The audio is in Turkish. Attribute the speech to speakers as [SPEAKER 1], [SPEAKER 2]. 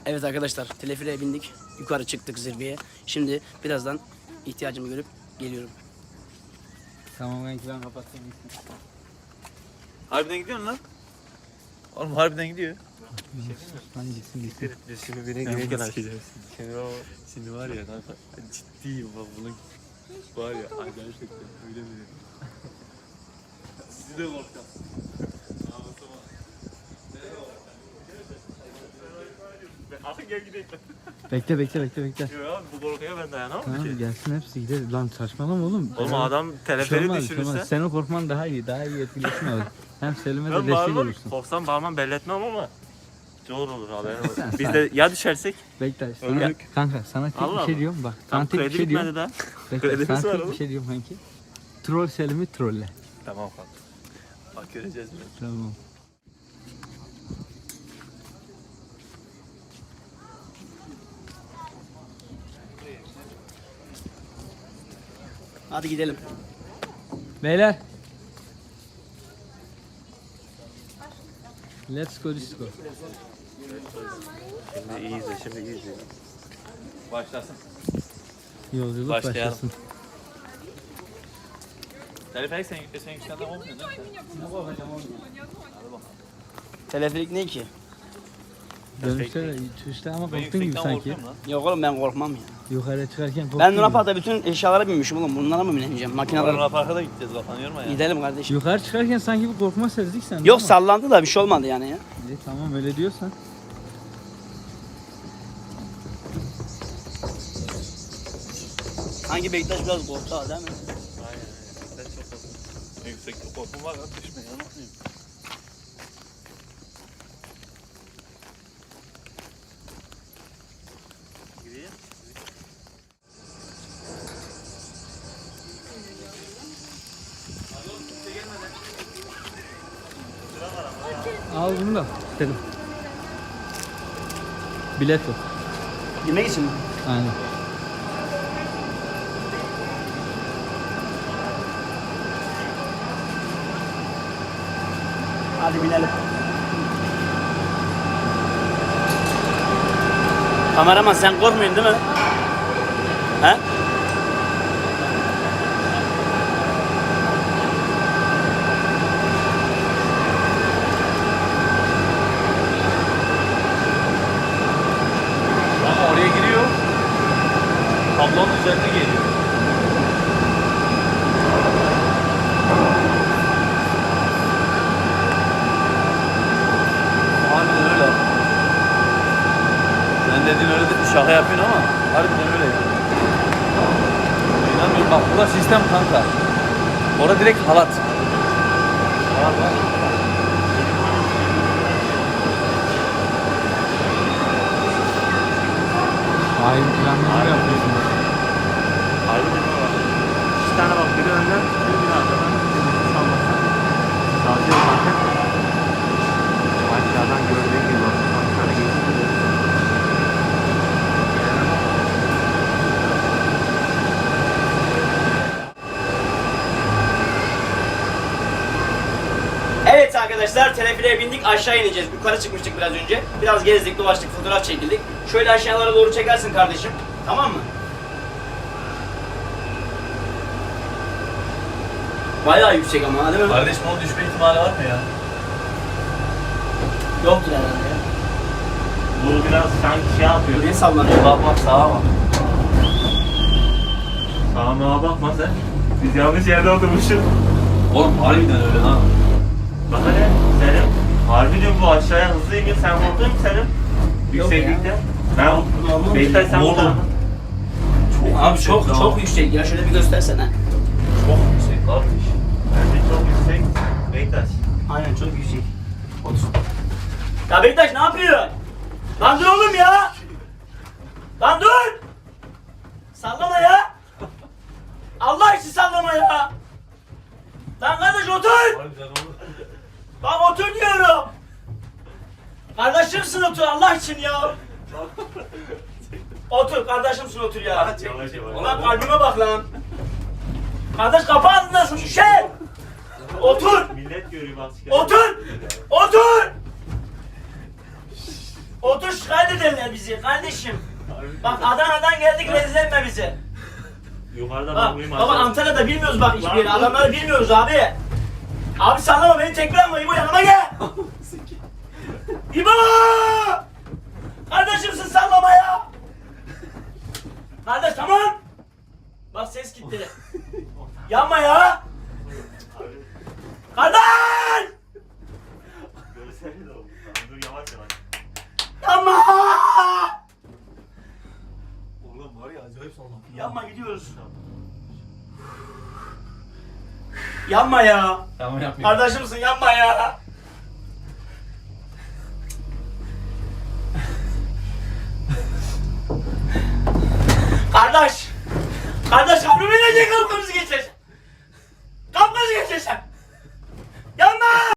[SPEAKER 1] Evet arkadaşlar, teleferiğe bindik. Yukarı çıktık zirveye. Şimdi birazdan ihtiyacımı görüp geliyorum.
[SPEAKER 2] Tamam ben kapatayım.
[SPEAKER 3] Harbiden gidiyor lan. Oğlum harbiden gidiyor.
[SPEAKER 2] Hangisi gitti?
[SPEAKER 3] Biz şimdi birine girerken sikeceğiz. Şimdi var ya kanka ciddiyim bak bunun var ya gerçekten öyle mi dedim. Sizi de korkacağız. Artık gel gidelim.
[SPEAKER 2] Bekle.
[SPEAKER 3] Yok abi bu korkuya ben dayanamam
[SPEAKER 2] Tamam
[SPEAKER 3] ki.
[SPEAKER 2] gelsin hepsi gider. Lan saçmalama oğlum.
[SPEAKER 3] Oğlum adam teleferi düşürürse.
[SPEAKER 2] Senin korkman daha iyi etkileşim olur. Hem Selim'e de
[SPEAKER 3] Ben
[SPEAKER 2] destek
[SPEAKER 3] bağırmam,
[SPEAKER 2] olursun.
[SPEAKER 3] korksam bağırmam belli etmem ama zor olur haberin olsun.
[SPEAKER 2] Sen-
[SPEAKER 3] Biz de ya düşersek?
[SPEAKER 2] Bekle.
[SPEAKER 3] Ölürük.
[SPEAKER 2] Kanka sana tek
[SPEAKER 3] Allah
[SPEAKER 2] bir şey
[SPEAKER 3] Allah.
[SPEAKER 2] diyorum bak.
[SPEAKER 3] Tam
[SPEAKER 2] Sana tek bir
[SPEAKER 3] kredi
[SPEAKER 2] şey diyorum.
[SPEAKER 3] bitmedi daha.
[SPEAKER 2] Bekle,
[SPEAKER 3] Kredimiz
[SPEAKER 2] sana
[SPEAKER 3] var
[SPEAKER 2] tek
[SPEAKER 3] oğlum.
[SPEAKER 2] bir şey diyorum kanki. Troll Selim'i trolle.
[SPEAKER 3] Tamam kanka. Bak göreceğiz biraz.
[SPEAKER 2] Tamam.
[SPEAKER 1] Hadi gidelim.
[SPEAKER 2] Beyler. Let's go disco.
[SPEAKER 3] Şimdi iyi izle, şimdi iyi izle. Başlasın.
[SPEAKER 2] Yolculuk
[SPEAKER 3] Başlayalım.
[SPEAKER 2] başlasın.
[SPEAKER 3] Teleferik sen yükselden olmuyor değil mi?
[SPEAKER 1] Teleferik ne ki?
[SPEAKER 2] Dönüşte de işte ama
[SPEAKER 3] Ben
[SPEAKER 2] korktun gibi
[SPEAKER 3] yüksekten
[SPEAKER 2] sanki.
[SPEAKER 3] korkuyorum lan.
[SPEAKER 1] Yok oğlum ben korkmam ya.
[SPEAKER 2] Yukarı çıkarken korktun
[SPEAKER 1] Ben
[SPEAKER 2] gibi.
[SPEAKER 1] Luna Park'ta bütün eşyalara binmişim oğlum. Bunlara mı bineceğim? Makineler.
[SPEAKER 3] Luna Park'a da gideceğiz kafanı yorma ya.
[SPEAKER 1] Gidelim kardeşim.
[SPEAKER 2] Yukarı çıkarken sanki bir korkma sezdik sen.
[SPEAKER 1] Yok sallandı da bir şey olmadı yani ya.
[SPEAKER 2] Tamam öyle diyorsan.
[SPEAKER 1] Sanki Bektaş biraz korktu ha, değil mi?
[SPEAKER 3] Aynen. Ben çok korkuyorum. Yükseklik korkum var lan düşme ya. Gireyim.
[SPEAKER 2] Al bunu da. Selim. Bilet yok.
[SPEAKER 1] Yemek için mi?
[SPEAKER 2] Aynen.
[SPEAKER 1] Hadi binelim. Kameraman sen korkmuyorsun değil mi? He?
[SPEAKER 3] Ama oraya giriyor. Tablonun üzerine geliyor. Harbiden öyle. Sen dediğin öyle de şaka yapıyorsun ama harbiden öyle. İnanmıyorum bak burada sistem kanka. Orada direkt halat. Var var.
[SPEAKER 2] Hayır planlama yapıyorsun.
[SPEAKER 3] Harbiden öyle. İki tane bak biri önden biri arkadan. Sallasan. Sadece zaten. Aşağıdan gördüğün gibi bak. Aşağıda geçti.
[SPEAKER 1] Evet arkadaşlar, teleferiğe bindik, aşağı ineceğiz. Yukarı çıkmıştık biraz önce. Biraz gezdik, dolaştık, fotoğraf çekildik. Şöyle aşağılara doğru çekersin kardeşim. Tamam mı? Bayağı yüksek ama değil mi?
[SPEAKER 3] Kardeşim o düşme ihtimali var mı ya?
[SPEAKER 1] Yoktur herhalde ya.
[SPEAKER 3] Bu biraz sanki şey yapıyor.
[SPEAKER 1] Ne sallanıyor?
[SPEAKER 3] Bak bak sağa bak. Sağa bakma sen. Biz yanlış yerde oturmuşuz. Oğlum harbiden öyle lan. Bak hele Selim. Harbiden bu aşağıya hızlı iniyor. Sen korktun mu Selim? Yükseklikte. Ben
[SPEAKER 1] Normal.
[SPEAKER 3] Bektay sen
[SPEAKER 1] Oğlum.
[SPEAKER 3] korktun.
[SPEAKER 1] Abi çok yüksek ya, şöyle bir göstersene.
[SPEAKER 3] Çok yüksek kardeş. Bence çok yüksek. Bektay.
[SPEAKER 1] Aynen çok yüksek. Otur. Ya Bektaş ne yapıyor? Lan dur oğlum ya! Lan dur! Sallama ya! Allah için sallama ya! Lan kardeş otur!
[SPEAKER 3] Harbiden oğlum.
[SPEAKER 1] Bak otur diyorum! Kardeşimsin otur Allah için ya! Otur kardeşimsin otur ya!
[SPEAKER 3] Yavaş yavaş.
[SPEAKER 1] Ulan kalbime bak lan! Kardeş kapı ağzındasın şişe! Otur!
[SPEAKER 3] Millet görüyor bak.
[SPEAKER 1] Otur! Otur! Otur şikayet ederler bizi kardeşim. Bak Adana'dan geldik rezil etme bizi.
[SPEAKER 3] Yukarıda
[SPEAKER 1] Bak
[SPEAKER 3] bakmayayım
[SPEAKER 1] baba
[SPEAKER 3] aşağı.
[SPEAKER 1] Antalya'da bilmiyoruz bak hiçbir yeri.
[SPEAKER 3] Lan dur.
[SPEAKER 1] Adamları bilmiyoruz abi. Abi sallama beni tekrar İbo yanıma gel. İbo! Kardeşimsin sallama ya. Kardeş tamam. Bak ses gitti. Yanma ya. Kardeş!
[SPEAKER 3] Görsel de oldu. Tamam, dur yavaş yavaş.
[SPEAKER 1] Yanma!
[SPEAKER 4] Oğlum var ya acayip sallandı.
[SPEAKER 1] Yanma gidiyoruz. Yanma ya.
[SPEAKER 4] Tamam yapmayayım.
[SPEAKER 1] Kardeşimsin yanma ya.